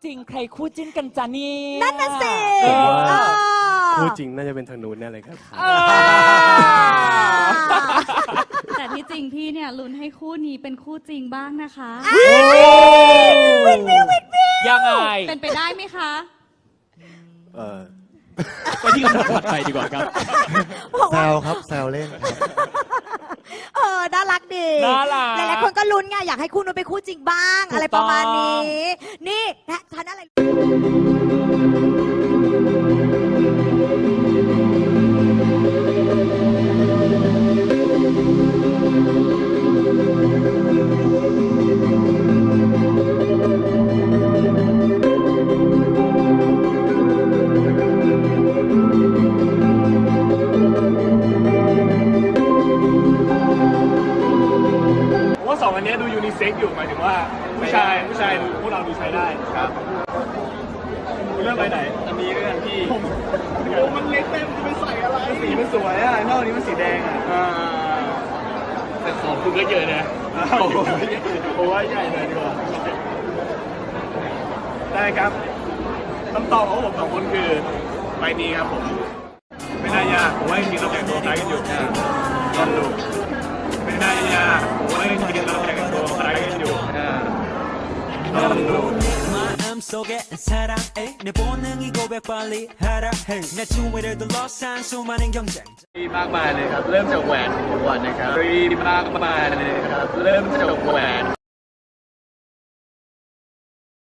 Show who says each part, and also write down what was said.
Speaker 1: จริงใครคู่จิ้นกันจ้านี่
Speaker 2: นั่นน่ะสิ
Speaker 3: คู่จริงน่าจะเป็นทางนู้นแน่เลยครับ
Speaker 4: แต่ที่จริงพี่เนี่ยลุ้นให้คู่นี้เป็นคู่จริงบ้างนะคะ
Speaker 1: ยังไง
Speaker 4: เป็นไปได้ไหมคะ
Speaker 5: ไปที่คำถามถัดไปดีกว่าครับ
Speaker 6: แซวครับแซวเล่นครับ
Speaker 2: น่ารักดี
Speaker 1: น่ารัก
Speaker 2: หลายๆคนก็ลุ้นไงอยากให้คู่นู้นเป็นคู่จริงบ้าง อะไรประมาณนี้ นี่นะฉันอะไร
Speaker 3: ว่าสองอันนี้ดูยูนิเซ็กอยู่หมายถึงว่าผู้ชายดูพวกเราดูใช้ได้ครับเรื่องไหนอันนี้เรื่องที่มันเล็กเต็มจะไปใส่อะไรสีมันสวยอ่ะนอกนี้มันสีแดงอ่ะแต่ของคุณก็เยอะนะโอ้ยใหญ่เลยดีกว่าได้ครับคำตอบของผมสองคนคือใบนี้ครับผมไม่น่ายากผมว่าจริงๆเราแต่งตัวคล้ายกันอยู่ลองดูไม่น่ายากผมว่าจริงๆเราแต่งตัวคล้ายกันอยู่ลองดูมากมายเลยครับเริ่มจากแหวนก่อนนะครับมากมายเลยครับเริ่มจากแหวน